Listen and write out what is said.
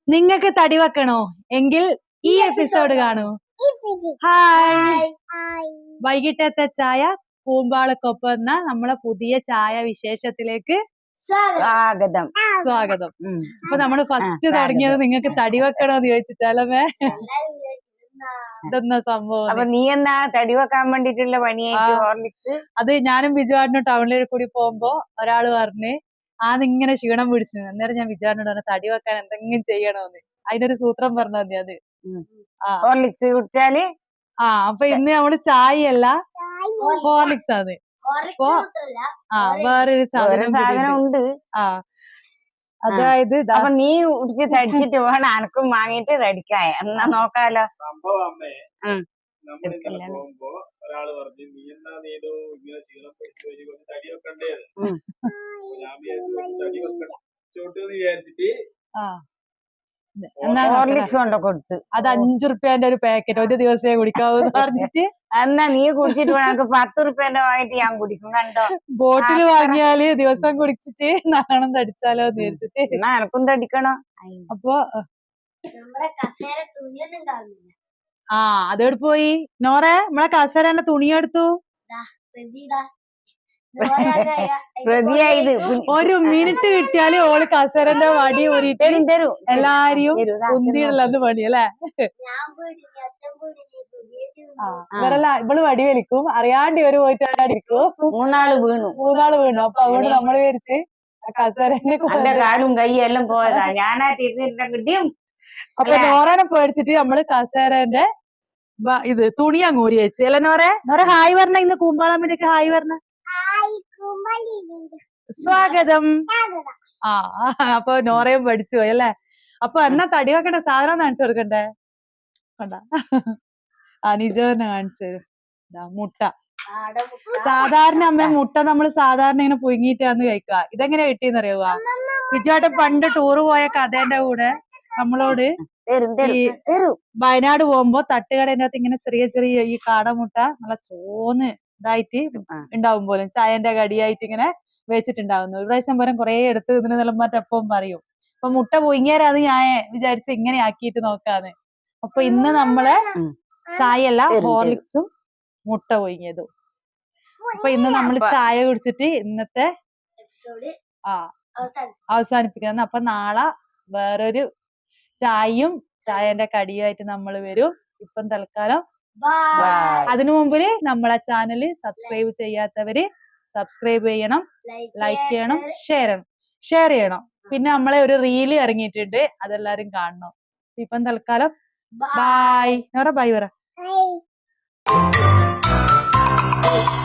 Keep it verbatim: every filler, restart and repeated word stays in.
നിങ്ങൾക്ക് തടി വെക്കണോ എങ്കിൽ ഈ എപ്പിസോഡ് കാണൂ. ഹായ്, വൈകിട്ടത്തെ ചായ കൂമ്പാളക്കൊപ്പം എന്ന നമ്മളെ പുതിയ ചായ വിശേഷത്തിലേക്ക് സ്വാഗതം. സ്വാഗതം. അപ്പൊ നമ്മള് ഫസ്റ്റ് തുടങ്ങിയത് നിങ്ങൾക്ക് തടി വെക്കണോന്ന് ചോദിച്ചിട്ടാലേ ഇതെന്നാ സംഭവം. അപ്പൊ നീ എന്നാ തടി വെക്കാൻ വേണ്ടിട്ടുള്ള പണിയായിട്ട്? അത് ഞാനും ബിജുവാടിനും ടൗണിലേക്ക് കൂടി പോകുമ്പോ ഒരാള് പറഞ്ഞ് ആദ്യം ക്ഷീണം പിടിച്ചു. അന്നേരം ഞാൻ ബിജുവാടിനോട് പറഞ്ഞു തടി വെക്കാൻ എന്തെങ്കിലും ചെയ്യണോന്ന്. അതിനൊരു സൂത്രം പറഞ്ഞാൽ മതി. അത് ഹോർലിക്സ് കുടിച്ചാല് ആ അപ്പൊ ഇന്ന് നമ്മള് ചായ അല്ല ഹോർലിക്സ് ആണ്. അപ്പൊ ആ വേറൊരു സാധനം ഉണ്ട്. ആ അതായത് അപ്പൊ നീ കുടിച്ച് തടിച്ചിട്ട് വേണം അനക്കും വാങ്ങിട്ട് തടിക്കാൻ. എന്നാ നോക്കാലോ. ഒരാള് പറഞ്ഞു നീ എന്നാ നീടോ ഇങ്ങനെ ക്ഷീണം പിടിച്ചു തടി വെക്കണ്ടേ, തടി വെക്കോട്ട് വിചാരിച്ചിട്ട് ഹോർലിക്സ് കൊണ്ട് കൊടുത്ത് അത് അഞ്ചു റുപ്യന്റെ ഒരു പാക്കറ്റ് ഒരു ദിവസമേ കുടിക്കാവൂന്ന് പറഞ്ഞിട്ട് എന്നാ നീ കുടിച്ചിട്ട് വേണം പത്ത് റുപ്യന്റെ വാങ്ങിട്ട് ഞാൻ കുടിക്കും. കണ്ടോ, ബോട്ടില് വാങ്ങിയാല് ദിവസം കുടിച്ചിട്ട് നല്ലോണം തടിച്ചാലോ എന്ന് വിചാരിച്ചിട്ട്. എന്നാ എനക്കും തടിക്കണോ. അപ്പൊ ആ അതോട് പോയി നോറെ നമ്മളെ കസേരന്റെ തുണിയെടുത്തു. പ്രതിയായത് ഒരു മിനിറ്റ് കിട്ടിയാല് ഓള് കസേരന്റെ വടി ഊരിട്ട് എല്ലാരെയും കുന്തിയിടലെന്ന് പണി അല്ലേ. ഇവരല്ല ഇവള് വടി വലിക്കും, അറിയാണ്ട് ഇവര് പോയിട്ട് അടിക്കും. മൂന്നാള് വീണു മൂന്നാള് വീണു. അപ്പൊ അതുകൊണ്ട് നമ്മള് വിചാരിച്ച് കസേരന്റെ കാലും കൈയും എല്ലാം പോയതാ. ഞാനാ തിരിഞ്ഞിട്ടുണ്ടെങ്കിൽ അപ്പൊ നോറനെ പേടിച്ചിട്ട് നമ്മള് കസേരന്റെ ഇത് തുണി അങ്ങ് ഊരി വെച്ച്. അല്ലെ നോറെ? നോറെ ഹായ് പറഞ്ഞ ഇന്ന് കൂമ്പാളാൻ വേണ്ടിട്ട് ഹായ് പറഞ്ഞ. സ്വാഗതം. ആ അപ്പൊ നോറയും പഠിച്ചു പോയി അല്ലേ. അപ്പൊ എന്നാ തടി വെക്കണ്ട സാധനം കാണിച്ചു കൊടുക്കണ്ടേ. കണ്ട അനിജോനെ കാണിച്ചു തരും. മുട്ട സാധാരണ അമ്മ മുട്ട നമ്മള് സാധാരണ ഇങ്ങനെ പുഴുങ്ങിയിട്ടാന്ന് കഴിക്കുക. ഇതെങ്ങനെ കിട്ടിയെന്ന് അറിയുക? വിജുവായിട്ട് പണ്ട് ടൂറ് പോയ കഥേന്റെ കൂടെ നമ്മളോട് ഈ വയനാട് പോകുമ്പോ തട്ടുകടേന്റെ അകത്ത് ഇങ്ങനെ ചെറിയ ചെറിയ ഈ കാടമുട്ട നല്ല ചോന്ന് ഇതായിട്ട് ഉണ്ടാവും പോലും ചായന്റെ കടിയായിട്ട് ഇങ്ങനെ വെച്ചിട്ടുണ്ടാവുന്നു. ഒരു പ്രാവശ്യം പോലും കുറെ എടുത്ത് ഇതിന് നിലമാറ്റപ്പം പറയും. അപ്പൊ മുട്ട പുഴുങ്ങിയാലത് ഞാൻ വിചാരിച്ച് ഇങ്ങനെ ആക്കിയിട്ട് നോക്കാന്ന്. അപ്പൊ ഇന്ന് നമ്മള് ചായയല്ല ഹോർലിക്സും മുട്ട പുഴുങ്ങിയതും. അപ്പൊ ഇന്ന് നമ്മള് ചായ കുടിച്ചിട്ട് ഇന്നത്തെ ആ അവസാനിപ്പിക്കുന്ന. അപ്പൊ നാളെ വേറൊരു ചായയും ചായന്റെ കടിയുമായിട്ട് നമ്മൾ വരും. ഇപ്പം തൽക്കാലം അതിനു മുമ്പില് നമ്മളെ ചാനല് സബ്സ്ക്രൈബ് ചെയ്യാത്തവര് സബ്സ്ക്രൈബ് ചെയ്യണം, ലൈക്ക് ചെയ്യണം, ഷെയർ ചെയ്യണം ഷെയർ ചെയ്യണം പിന്നെ നമ്മളെ ഒരു റീല് ഇറങ്ങിയിട്ടുണ്ട്, അതെല്ലാരും കാണണം. ഇപ്പം തൽക്കാലം ബായ്. നോറ ബായ് പറ.